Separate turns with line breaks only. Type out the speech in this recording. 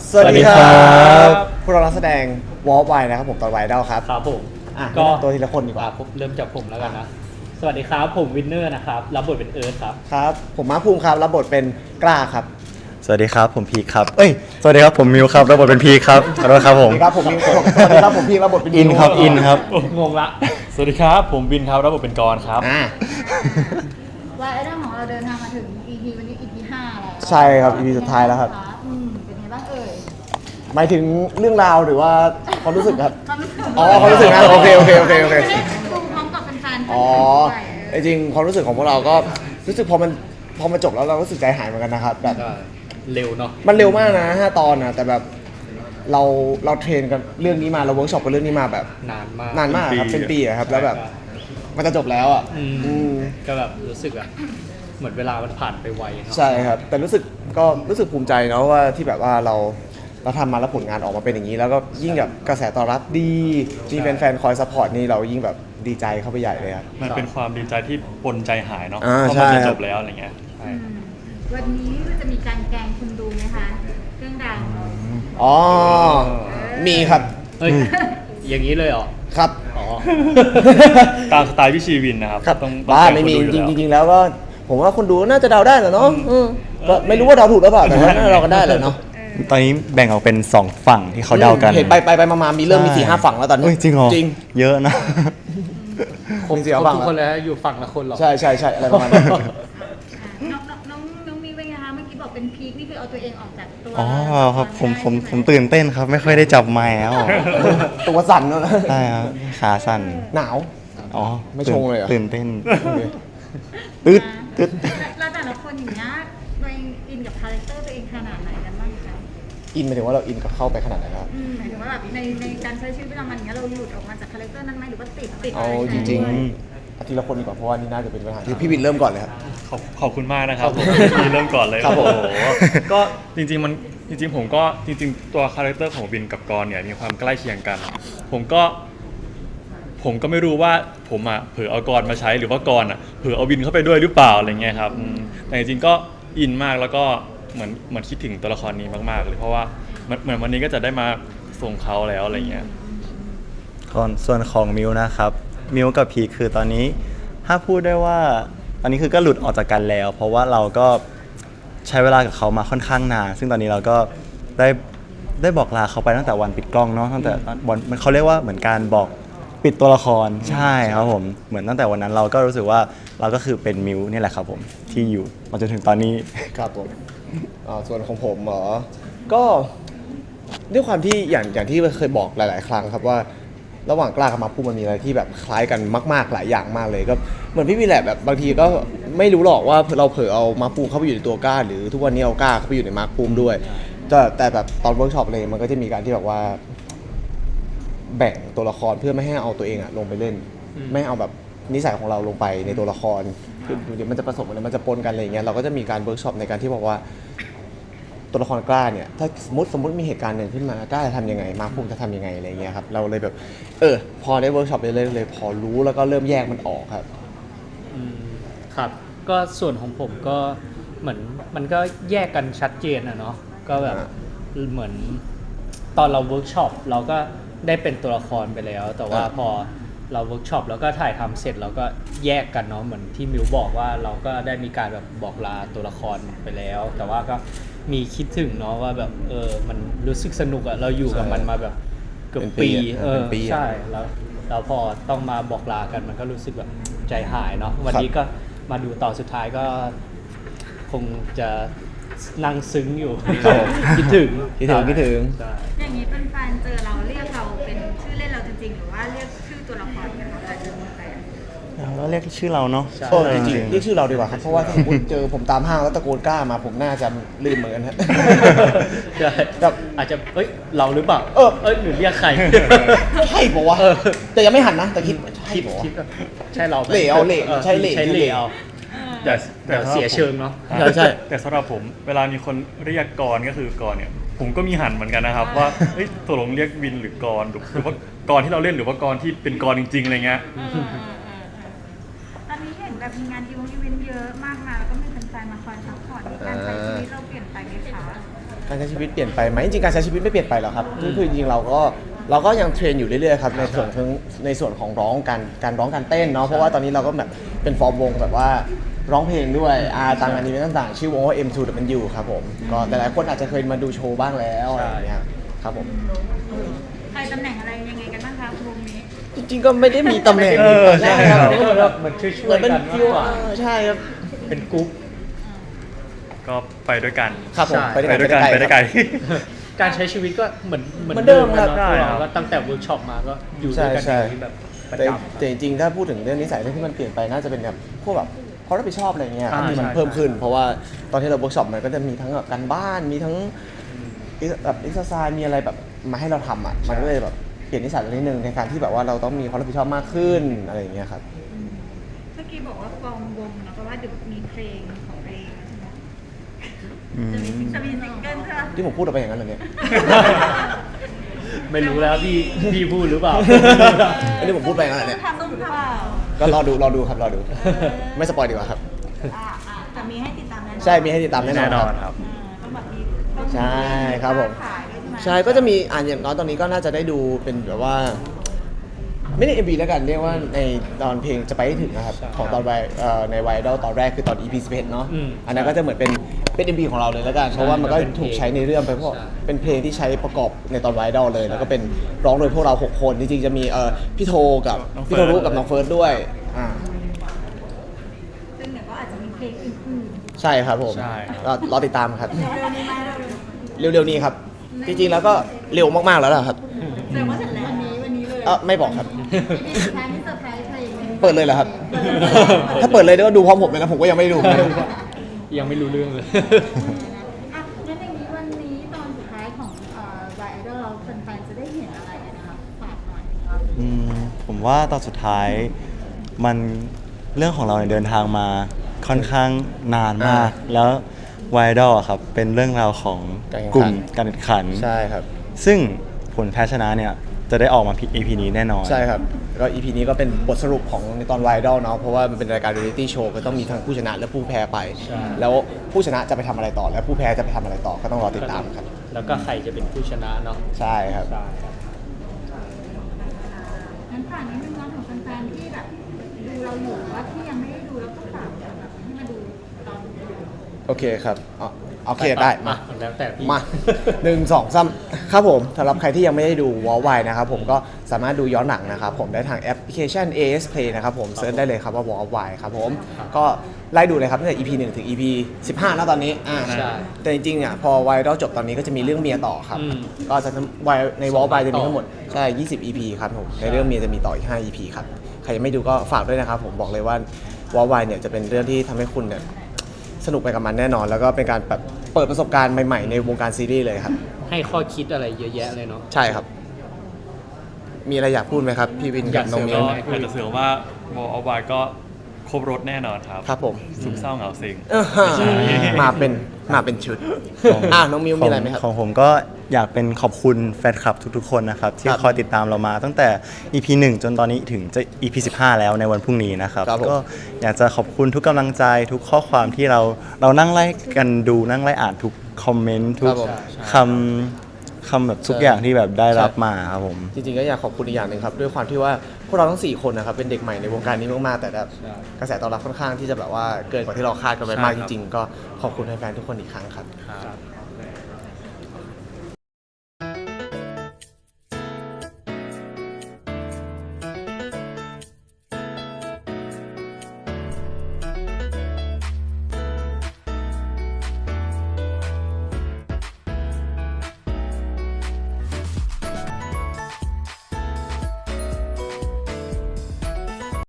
สวัสดีครับพวกเรานักแสดงวอล์กไวนะครับผมตอนไวดอลครับ
ครับผม
ก็ตัวทีละคนดีกว่า
ผมเริ่มจากผมแล้วกันนะ สวัสดีครับผมวินเนอร์นะครับรับบทเป็นเอิร์ธครับ
ครับผมมาร์คภูมิครับรับบทเป็นกล้าครับ
สวัสดีครับผมพีคครับสวัสดีครับผมมิวครับรับบทเป็นพีคครับขอโทษครับผ
สวั
ม
สดีครับผมมิวสวัสดีครับผมพี่รับบทเป็น
อินครับอินครับ
งงละ
สวัสดีครับผมบินครับรับบทเป็นกรครับ
ว่าไอ้เรื่องของเราเดินทางมาถึง EP วันนี้ EP 5แล้ว
ใช่ครับ EP สุดท้ายแล้วครับ
เป็นไงบ้างเอ่ย
หมายถึงเรื่องราวหรือว่าความรู้สึกครับ
ความรู้สึก
อ๋อความรู้สึกนะโอเค
ไม่ได้ดูพร้อมกับแฟนๆ
อ๋อจริงๆความรู้สึกของพวกเราก็รู้สึกพอมันจบแล้วเรารู้สึกใจหายเหมือนกันนะครับแบบ
ก็เร็วเนาะ
มันเร็วมากนะ5 ตอนนะแต่แบบเราเทรนกันเรื่องนี้มาเราเวิร์กช็อปกันเรื่องนี้มาแบบ
นานมาก
นานมากครับเป็นปีอะครับแล้วแบบมันจะจบแล้วอ่ะ
อืมก็แบบรู้สึกแบบเหมือนเวลามันผ่านไปไวเนาะ
ใช่ครับแต่รู้สึกภูมิใจเนาะว่าที่แบบว่าเราทำมาแล้วผลงานออกมาเป็นอย่างนี้ แล้วก็ยิ่งแบบกระแสตอบรับดีมีแฟนๆคอยซัพพอร์ตนี่เรายิ่งแบบดีใจเข้าไปใหญ่เลยครับ
มันเป็นความดีใจที่ปนใจหายเนาะ
อ่า
เพราะ
ใช่
มันจะ
ค
จ
รับ
บแล้วอะไรเงี้ยใช่
วันนี้จะมีการแกล้งคุณดูไหมคะ เรื่องราว
อ๋อมีครับ
เฮ้ยอย่างนี้เลยเหรอ
ครับ
อ๋อ
ตามสไตล์พี่ชีวินนะครับ
ครับ
ต้อง
บ้า
แกล้
ไม่มี
คนดู
จ
อยู่
ริงๆแล้วก็ผมว่าคนดูน่าจะเดาได้แหละเนาะก็ไม่รู้ว่าเดาถูกหรือเปล่าแต่ว่าน่าจะเดากันได้แหละเนาะ
ตอนนี้แบ่งออกเป็น2ฝั่งที่เขาเดากัน
เห็นไปมามีเริ่มมี 4-5 ฝั่งแล้วตอนนี้
เอ้ยจริงเหรอ
จริง
เยอะนะ
คงเสีย
ครบ
ฝั่ง
ทุกคน
แล้ว
เลยอยู่ฝั่งละคนเหรอ
ใช่อะไรประมาณนั้น
น้องมีเป็นไงคะเมื่อกี้บอกเป็นพีคนี่คือเอาตัวเองออกจากตัว
อ๋อครับผม
ได้ใช่ไห
ตื่นเต้นครับ ไม่ค่อยได้จับไม้แล้ว
ตัวสั่นแล้วนะ
ใช่ครับขาสั่น
หนาว
อ๋อ
ไม่ชงเลยเหรอ
ตื่นเต้นตึ๊ดตึ๊ด
แล้วแต่ละคนอย่างเงี้ยตัวเองอินกับคาแรคเตอร์ตัวเองขนาดไหนกันบ้างคะ
อินหมายถึงว่าเราอินกับเข้าไปขนาดไหนครับ
หมายถึงว่าแบบในการใช้ชีวิตประจำวันอย่างเงี้ยเราหลุดออกมาจากคาแรคเตอร์นั้นไหมหรือว่าติด
เอา
อะไร
จ
แทน
ริง
ด้วย
ๆอาทีละคนดีกว่าเพราะว่านี่น่าจะเป็นปัญหาที่พี่วินเริ่มก่อนเลยครับ
ขอบคุณมากนะครับผมที่เริ่มก่อนเลย
ครับผม
โอ้โหก็จริงๆผมก็จริงๆตัวคาแรคเตอร์ของบินกับกรเนี่ยมีความใกล้เคียงกัน ผมก็ไม่รู้ว่าผมอ่ะเผลอเอากรมาใช้หรือว่ากรอ่ะเผลอเอาบินเข้าไปด้วยหรือเปล่าอะไรเงี้ยครับแต่จริงๆก็อินมากแล้วก็เหมือนคิดถึงตัวละครนี้มากๆเลยเพราะว่าเหมือนวันนี้ก็จะได้มาส่งเขาแล้วอะไรเงี้ย
ส่วนของมิวนะครับมิวกับพีคคือตอนนี้ถ้าพูดได้ว่าตอนนี้คือก็หลุดออกจากกันแล้ว เพราะว่าเราก็ใช้เวลากับเขามาค่อนข้างนานซึ่งตอนนี้เราก็ได้บอกลาเขาไปตั้งแต่วันปิดกล้องเนาะตั้งแต่วันมันเขาเรียกว่าเหมือนการบอกปิดตัวละครใช่ครับผมเหมือนตั้งแต่วันนั้นเราก็รู้สึกว่าเราก็คือเป็นมิวนี่แหละครับผมที่อยู่มาจนถึงตอนนี้
ครับผมส่วนของผมเหรอก็ด้วยความที่อย่างที่เคยบอกหลาย ๆ ครั้งครับว่าระหว่างกล้ากับมาพูดมันมีอะไรที่แบบคล้ายกันมากๆหลายอย่างมากเลยก็เหมือนพี่วีแหละแบบบางทีก็ไม่รู้หรอกว่าเราเผลอเอามาร์คภูมิเข้าไปอยู่ในตัวกล้าหรือทุกวันนี้เอากล้าเข้าไปอยู่ในมาร์คภูมิด้วยแต่แบบตอนเวิร์กช็อปเลยมันก็จะมีการที่แบบว่า แบ่งตัวละครเพื่อไม่ให้เอาตัวเองอะลงไปเล่น ไม่ให้เอาแบบนิสัยของเราลงไปในตัวละครคือเดี๋ยวมันจะผสมกันมันจะปนกันอะไรอย่างเงี้ยเราก็จะมีการเวิร์กช็อปในการที่บอกว่า ตัวละครกล้าเนี่ยถ้าสมมติมีเหตุการณ์หนึ่งขึ้นมากล้าจะทำยังไงมาร์คภูมิจะทำยังไงอะไรเงี้ยครับเราเลยแบบพอได้เวิร์กช็อปเลยพอรู้แล้วก็เริ่มแยกมันออกครับ
ครับก็ส่วนของผมก็เหมือนมันก็แยกกันชัดเจนอะเนาะก็แบบเหมือนตอนเราเวิร์กช็อปเราก็ได้เป็นตัวละครไปแล้ว แต่ว่าพอเราเวิร์กช็อปแล้วก็ถ่ายทำเสร็จเราก็แยกกันเนาะเหมือนที่มิวบอกว่าเราก็ได้มีการแบบบอกลาตัวละครไปแล้ว แต่ว่าก็มีคิดถึงเนาะว่าแบบมันรู้สึกสนุกอะเราอยู่กับมันมาแบบเกือบปี
เป็นปีอะ
ใช่แล้วพอต้องมาบอกลากันมันก็รู้สึกแบบใจหายเนาะวันนี้ก็มาดูต่อนสุดท้ายก็คงจะนั่งซึ้งอยู่ คิดถึง
คิดถึง
ใช่
อย่างนี้เป็นแฟนเจอเราเรียกเราเป็นชื่อเล่นเราจริงๆหรือว่าเรียกชื่อตัวละครกันคะเวลาเจอแฟน
เราเรียกชื่อเราเนาะ
จริงๆเรียกชื่อเราดีกว่าครับเพราะว่าถ้าสมมติเจอผมตามห้างแล้วตะโกนกล้ามาผมน่าจะลืมเหมือนกันฮะ
ใช่
แบบ
อาจจะเราหรือเปล่าหรือเรียยกใคร
ใช่ปะวะแต่ยังไม่หันนะแต่คิดใช่ปะวะ
คิดว่าใช่เราไหม
เหล่เอาเหล่ใช่เหล่
ใช่เหล่เอา
แต่
เดี๋ยวเสียเชิงเนาะ
ใช่
แต่สำหรับผมเวลามีคนเรียกกรก็คือกรเนี่ยผมก็มีหันเหมือนกันนะครับว่าเฮ้ยตกลงเรียกบินหรือกรหรือว่ากรที่เราเล่นหรือว่ากรที่เป็นกรจริงๆอะไรเงี้ย
ตอนนี้เห็นแบบมีงานอีเวนต์เยอะมากมายแล้วก็มีแฟนๆมาคอยซัพพอร์ตในการใช้ชีวิตเราเปลี่ยนไปไหมคะ
การใช้ชีวิตเปลี่ยนไปไหมจริงๆการใช้ชีวิตไม่เปลี่ยนไปหรอกครับคือจริงๆเราก็ยังเทรนอยู่เรื่อยๆครับในส่วนของร้องการร้องการเต้นเนาะเพราะว่าตอนนี้เราก็แบบเป็นฟอร์มวงแบบว่าร้องเพลงด้วยตามงานอีเวนต์ต่างๆชื่อวงว่า M2W ครับผมก็แต่หลายคนอาจจะเคยมาดูโชว์บ้างแล้วอะไรอย่างเงี้ยครับผม
ใครตำแหน่งอะไรยังไงกันบ้างคะวงนี้
จริงๆก็ไม่ได้มีตำแหน่ง
ใช่
ครับ
ก็เหมือนแบบเหมือนช่วย
เหมือน
ๆ
เป็น
กัน
ฟิ
มาว กกว่า
ใช่ครับ
เป็นกรุ๊ป
ก็ไปด้วยกัน
ครับผม
ใช่
ไปด้วยกันไปด้วยกัน
การใช้ชีวิตก็เหมือน
เหมือนเดิมครับ
เนอะพวกเราก็ตั้งแต่เวิร์กช็อปมาก็อยู่ด้วยกันอย่างนี้แบบประ
แต่
จำ
แต่จริงๆถ้าพูดถึงเรื่องนิสัยเรื่องที่มันเปลี่ยนไปน่าจะเป็นแบบพวกแบบความรับผิดชอบอะไรเงี้ยครับที่มัน
ใช่
เพิ่มขึ้น เพราะว่าตอนที่เราเวิร์กช็อปมันก็จะมีทั้งแบบการบ้านมีทั้งแบบเอ็กซ์ไซส์มีอะไรแบบมาให้เราทำอ่ะมันก็เลยแบบเปลี่ยนนิสัยนิดนึงในการที่แบบว่าเราต้องมีความรับผิดชอบมากขึ้นอะไรอย่างเงี้ยครับ
เมื่อกี้บอกว่าฟอร์มวงนะเพราะว่าเดี๋ยวมีเพลงของตัวเองใช่ไหม
อืม
จะมีซิงเกิลใช่ไหม
ที่ผมพูดออกไปอย่างนั้นเลยเนี่ย
ไม่รู้แล้วพี่พูดหรือเปล่า
อันนี้ผมพูดไปอย่างนั้นเหรอเนี่ย
ทำหรือเปล่า
ก็รอดูครับรอดู ไม่สปอยดีกว่าครับ
แต่มีให้ติดตามแน่นอน
ใช่มีให้ติดตามแน่นอน
แน่น
ค
อ
รับ
นครับ
ต้องแบบมีต้อง
ใช่ครับผม
ขายด้วยใช่ไหม
ใช่ก็จะมีอย่างน้อยตอนนี้ก็น่าจะได้ดูเป็นแบบว่า ไม่ได้ MV แล้วกันเรียกว่าในตอนเพลงจะไปให้ถึงนะครับ
ใช่
ของตอนในไวดอลตอนแรกคือตอน EP 11เนาะ
อืม
อันนั้นก็จะเหมือนเป็น MV ของเราเลยแล้วกัน เพราะว่ามันก็ถูกใช้ในเรื่องไปเพราะ
ใช่
เป็นเพลงที่ใช้ประกอบในตอนไวดอลเลย แล้วก็เป็นร้องโดยพวกเรา 6 คนจริงๆจะมีพี่โทกับ
น้องเฟิ
พี่
ร์ส
โทรุกับน้องเฟิร์สด้วย
ซึ่งเดี๋ยวก็อาจจะมีเพลงอื่น
ใช่ครับผม
ใช่
รอติดตามครับ
ๆเร็วๆนี้ไหมเร็ว
เร็วๆนี้ครับ จริงๆแล้วก็เร็วมากๆแล้วล่ะครับ
ๆแสดงว่าเสร็จแล้ววันนี้เลย
ไม่บอกครับ
มีสุดท้ายมีเซอร์ไพรส์อะไรอย่างเงี้ย
เปิดเลยเหรอครับ ถ้าเปิดเลยก็ดูพร้อมผมเลยนะผมก็ยังไม่ได้ดู
ยังไม่รู้เรื่องเลย
อ่ะงั้นอย่างนี้วันนี้ตอนสุดท้ายของไวไอดอลเราแฟนๆจะได้เห็นอะไรกันนะคะฝากหน่อยครับ
ผมว่าตอนสุดท้ายมันเรื่องของเราเนี่ยเดินทางมาค่อนข้างนานมาก แล้วไวดอลครับเป็นเรื่องราวของ
การแข่งขัน
กลุ่มการแข่งขัน
ใช่ครับ
ซึ่งผลแพ้ชนะเนี่ยจะได้ออกมา EP นี้แน่นอน
ใช่ครับก็ EP นี้ก็เป็นบทสรุปของในตอนไวดอลเนาะเพราะว่ามันเป็นรายการเรียลิตี้โชว์ก็ต้องมีทั้งผู้ชนะและผู้แพ้ไป
ใช่
แล้วผู้ชนะจะไปทำอะไรต่อ และผู้แพ้จะไปทำอะไรต่อก็ต้องรอติดตามครับ
แล้วก็ใครจะเป็นผู้ชนะเนาะ
ใช่ครับ
ใช่ครับ
งั้นฝากนิดนึงนะของแฟนๆที่แบบดูเราอยู่หรือว่าที่ยังไม่ได้ดูแล้วก็ฝากแบบให้มาดูตอนดู
โอเคครับโอเคได้มา
แล้วแต่พี่
มา 1 2 3ครับผมสำหรับใครที่ยังไม่ได้ดูวอลไวนะครับผมก็สามารถดูย้อนหลังนะครับผมได้ทางแอปพลิเคชัน AS Play นะครับผมเซิร์ชได้เลยครับว่าวอลไวครับผมก็ไล่ดูเลยครับตั้งแต่ EP 1 ถึง EP 15แล้วตอนนี้
ใช่
แต่จริงๆเนี่ยพอไวดอลจบตอนนี้ก็จะมีเรื่องเมียต่อครับ
อืม
ก็จะไวในวอลไวจะมี
ต่อ
ทั้งหมดใช่20 EP ครับผม
ใช่
ในเรื่องเมียจะมีต่ออีก5 EP ครับใครยังไม่ดูก็ฝากด้วยนะครับผมบอกเลยว่าวอลไวเนี่ยจะเป็นเรื่องที่ทำให้คุณเนี่ยสนุกไปกับมันแน่นอน แล้วก็เป็นการแบบเปิดประสบการณ์ใหม่ๆในวงการซีรีส์เลยครับ
ให้ข้อคิดอะไรเยอะแยะเลยเนาะ
ใช่ครับ มีอะไรอยากพูดไหมครับ พี่วินกับน้องมิ้
ก็
ว
อยากจะเสริมว่าวอลเอาไว้ก็ครบรถแน่นอนครับ
ครับผม
สุขเศร้าเหงาซิง
มาเป็นชุดน้องมิ้วมีอะไรไหมครับ
ของผมก็อยากเป็นขอบคุณแฟนคลับทุกๆคนนะครับ ที่
ครับ
คอยติดตามเรามาตั้งแต่ EP 1 จนตอนนี้ถึงจะ EP 15 แล้วในวันพรุ่งนี้นะครับ
ครับผม
ก็อยากจะขอบคุณทุกกำลังใจทุกข้อความที่เรานั่งไล่กันดูนั่งไล่อ่านทุกคอมเมนต์ทุ
ค
ก
รับผม
คำแบบทุกอย่างที่แบบได้รับมาครับผม
จริงๆก็อยากขอบคุณอีกอย่างหนึ่งครับด้วยความที่ว่าพวกเราทั้ง4คนนะครับเป็นเด็กใหม่ในวงการนี้มากๆแต่แบบ
ใช่
กระแสตอบรับค่อนข้างที่จะแบบว่าเกินกว่าที่เราคาดกันไปมาก
ใช่
จ
ครับ
ริงๆ ก็ขอบคุณแฟนๆทุกคนอีกครั้งครับ
ครับ